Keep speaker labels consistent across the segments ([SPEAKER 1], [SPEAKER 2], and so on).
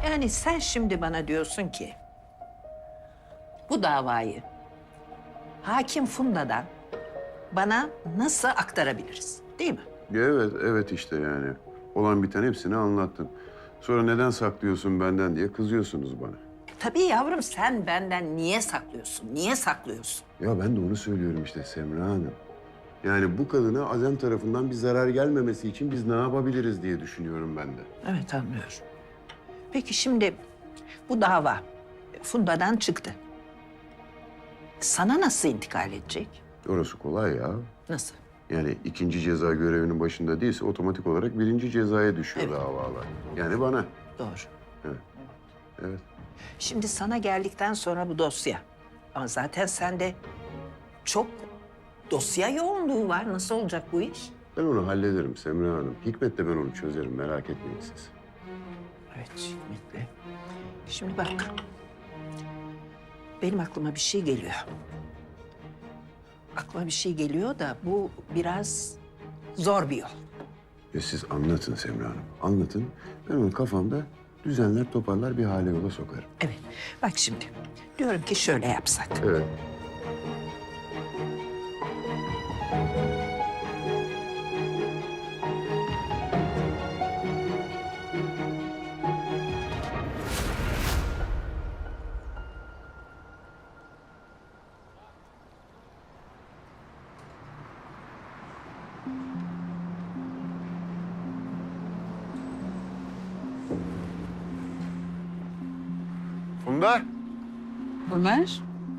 [SPEAKER 1] Yani sen şimdi bana diyorsun ki bu davayı hakim Funda'dan bana nasıl aktarabiliriz, değil mi?
[SPEAKER 2] Evet, evet işte yani. Olan biten hepsini anlattın. Sonra neden saklıyorsun benden diye kızıyorsunuz bana.
[SPEAKER 1] Tabii yavrum, sen benden niye saklıyorsun? Niye saklıyorsun?
[SPEAKER 2] Ya ben de onu söylüyorum işte Semra Hanım. Yani bu kadına Azem tarafından bir zarar gelmemesi için biz ne yapabiliriz diye düşünüyorum ben de.
[SPEAKER 1] Evet, anlıyorum. Peki şimdi bu dava Funda'dan çıktı. Sana nasıl intikal edecek?
[SPEAKER 2] Orası kolay ya.
[SPEAKER 1] Nasıl?
[SPEAKER 2] Yani ikinci ceza görevinin başında değilse otomatik olarak birinci cezaya düşüyor
[SPEAKER 1] Evet.
[SPEAKER 2] davalar. Yani bana.
[SPEAKER 1] Doğru.
[SPEAKER 2] Evet.
[SPEAKER 1] Şimdi sana geldikten sonra bu dosya. Ama zaten sende çok dosya yoğunluğu var. Nasıl olacak bu iş?
[SPEAKER 2] Ben onu hallederim Semra Hanım. Hikmet'le ben onu çözerim, merak etmeyin siz.
[SPEAKER 1] Evet, Hikmet'le. Şimdi bak. Benim aklıma bir şey geliyor. Aklıma bir şey geliyor da bu biraz zor bir yol.
[SPEAKER 2] Siz anlatın Semra Hanım, anlatın. Ben onu kafamda düzenler, toparlar, bir hale yola sokarım.
[SPEAKER 1] Evet. Bak şimdi. Diyorum ki şöyle yapsak.
[SPEAKER 2] Evet. Funda.
[SPEAKER 3] Ömer.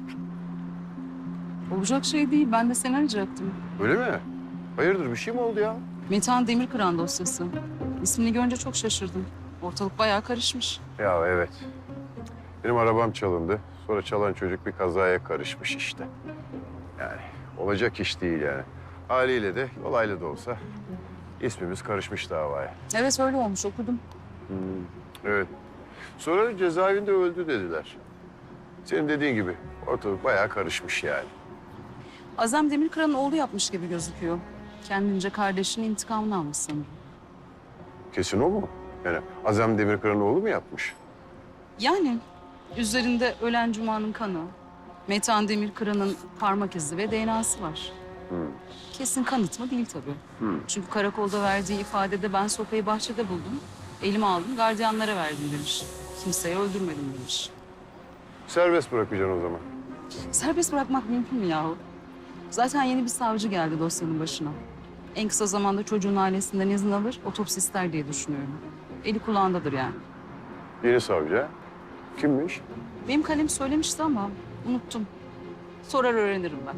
[SPEAKER 3] Olacak şey değil. Ben de seni arayacaktım.
[SPEAKER 2] Öyle mi? Hayırdır, bir şey mi oldu ya?
[SPEAKER 3] Metehan Demirkıran dosyası. İsmini görünce çok şaşırdım. Ortalık bayağı karışmış.
[SPEAKER 2] Ya evet. Benim arabam çalındı. Sonra çalan çocuk bir kazaya karışmış işte. Yani olacak iş değil yani. Haliyle de olaylı da olsa ismimiz karışmış davaya.
[SPEAKER 3] Evet öyle olmuş okudum.
[SPEAKER 2] Evet. Sonra cezaevinde öldü dediler. Senin dediğin gibi ortalık bayağı karışmış yani.
[SPEAKER 3] Azem Demirkıran'ın oğlu yapmış gibi gözüküyor. Kendince kardeşinin intikamını almış sanırım.
[SPEAKER 2] Kesin o mu? Yani Azem Demirkıran'ın oğlu mu yapmış?
[SPEAKER 3] Yani üzerinde ölen Cuma'nın kanı, Metehan Demirkıran'ın parmak izi ve DNA'sı var. Kesin kanıt mı değil tabii. Çünkü karakolda verdiği ifadede ben sopayı bahçede buldum. Elime aldım, gardiyanlara verdim demiş. Kimseyi öldürmedim demiş.
[SPEAKER 2] Serbest bırakacaksın o zaman.
[SPEAKER 3] Serbest bırakmak mümkün mü yahu? Zaten yeni bir savcı geldi dosyanın başına. En kısa zamanda çocuğun ailesinden izin alır, otopsi ister diye düşünüyorum. Eli kulağındadır yani.
[SPEAKER 2] Yeni savcı ha? Kimmiş?
[SPEAKER 3] Benim kalem söylemişti ama unuttum. Sorar öğrenirim ben.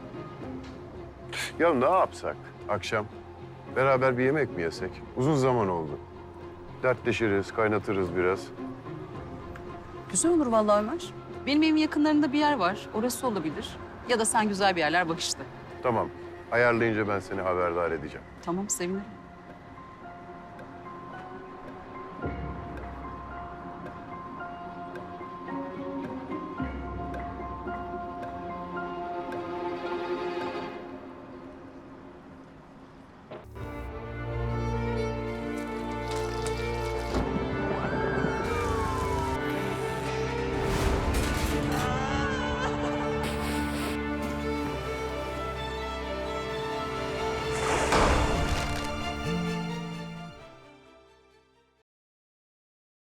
[SPEAKER 2] Ya ne yapsak akşam? Beraber bir yemek mi yesek? Uzun zaman oldu. Dertleşiriz, kaynatırız biraz.
[SPEAKER 3] Güzel olur vallahi Ömer. Benim evimin yakınlarında bir yer var. Orası olabilir. Ya da sen güzel bir yerler bak işte.
[SPEAKER 2] Tamam. Ayarlayınca ben seni haberdar edeceğim.
[SPEAKER 3] Tamam sevinirim.